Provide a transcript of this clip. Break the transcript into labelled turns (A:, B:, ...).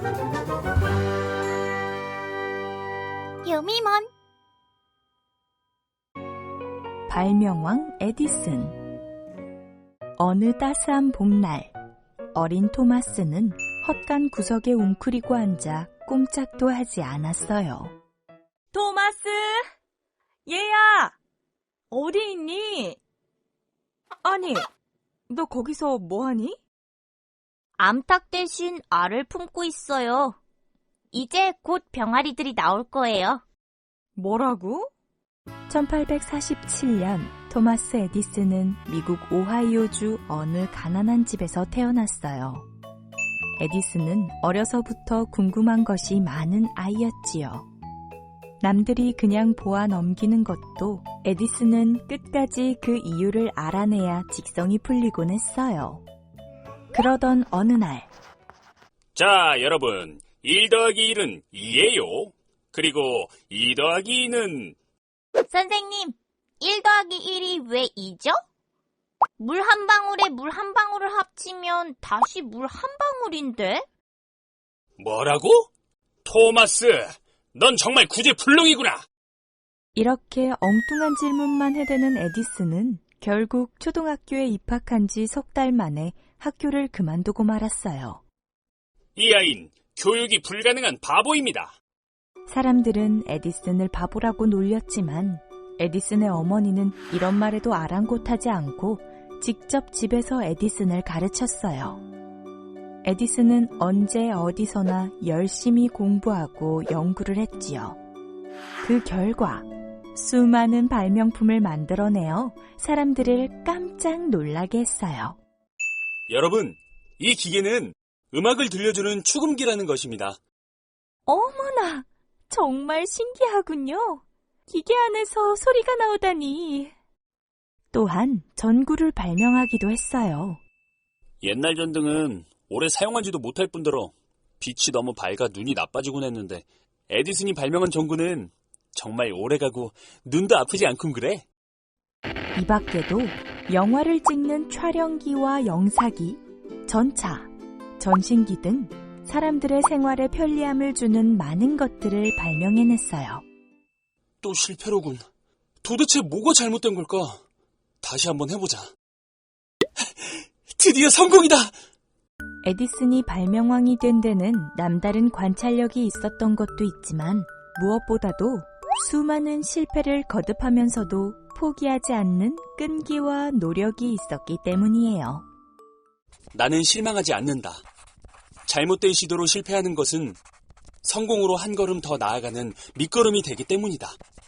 A: 유미몬.
B: 발명왕 에디슨. 어느 따스한 봄날, 어린 토마스는 헛간 구석에 웅크리고 앉아 꼼짝도 하지 않았어요.
C: 토마스! 얘야! 어디 있니? 아니, 너 거기서 뭐하니?
A: 암탉 대신 알을 품고 있어요. 이제 곧 병아리들이 나올 거예요.
C: 뭐라고?
B: 1847년 토마스 에디슨은 미국 오하이오주 어느 가난한 집에서 태어났어요. 에디슨은 어려서부터 궁금한 것이 많은 아이였지요. 남들이 그냥 보아 넘기는 것도 에디슨은 끝까지 그 이유를 알아내야 직성이 풀리곤 했어요. 그러던 어느 날,
D: 자, 여러분, 1 더하기 1은 2예요. 그리고 2 더하기 2는...
A: 선생님, 1 더하기 1이 왜 2죠? 물 한 방울에 물 한 방울을 합치면 다시 물 한 방울인데?
D: 뭐라고? 토마스, 넌 정말 구제불능이구나.
B: 이렇게 엉뚱한 질문만 해대는 에디슨은 결국 초등학교에 입학한 지 석 달 만에 학교를 그만두고 말았어요.
D: 이 아이는 교육이 불가능한 바보입니다.
B: 사람들은 에디슨을 바보라고 놀렸지만 에디슨의 어머니는 이런 말에도 아랑곳하지 않고 직접 집에서 에디슨을 가르쳤어요. 에디슨은 언제 어디서나 열심히 공부하고 연구를 했지요. 그 결과 수많은 발명품을 만들어내어 사람들을 깜짝 놀라게 했어요.
D: 여러분, 이 기계는 음악을 들려주는 축음기라는 것입니다.
B: 어머나, 정말 신기하군요. 기계 안에서 소리가 나오다니. 또한 전구를 발명하기도 했어요.
D: 옛날 전등은 오래 사용하지도 못할 뿐더러 빛이 너무 밝아 눈이 나빠지곤 했는데 에디슨이 발명한 전구는 정말 오래가고 눈도 아프지 않군 그래?
B: 이 밖에도 영화를 찍는 촬영기와 영사기, 전차, 전신기 등 사람들의 생활에 편리함을 주는 많은 것들을 발명해냈어요.
D: 또 실패로군. 도대체 뭐가 잘못된 걸까? 다시 한번 해보자. 드디어 성공이다!
B: 에디슨이 발명왕이 된 데는 남다른 관찰력이 있었던 것도 있지만 무엇보다도 수많은 실패를 거듭하면서도 포기하지 않는 끈기와 노력이 있었기 때문이에요.
D: 나는 실망하지 않는다. 잘못된 시도로 실패하는 것은 성공으로 한 걸음 더 나아가는 밑거름이 되기 때문이다.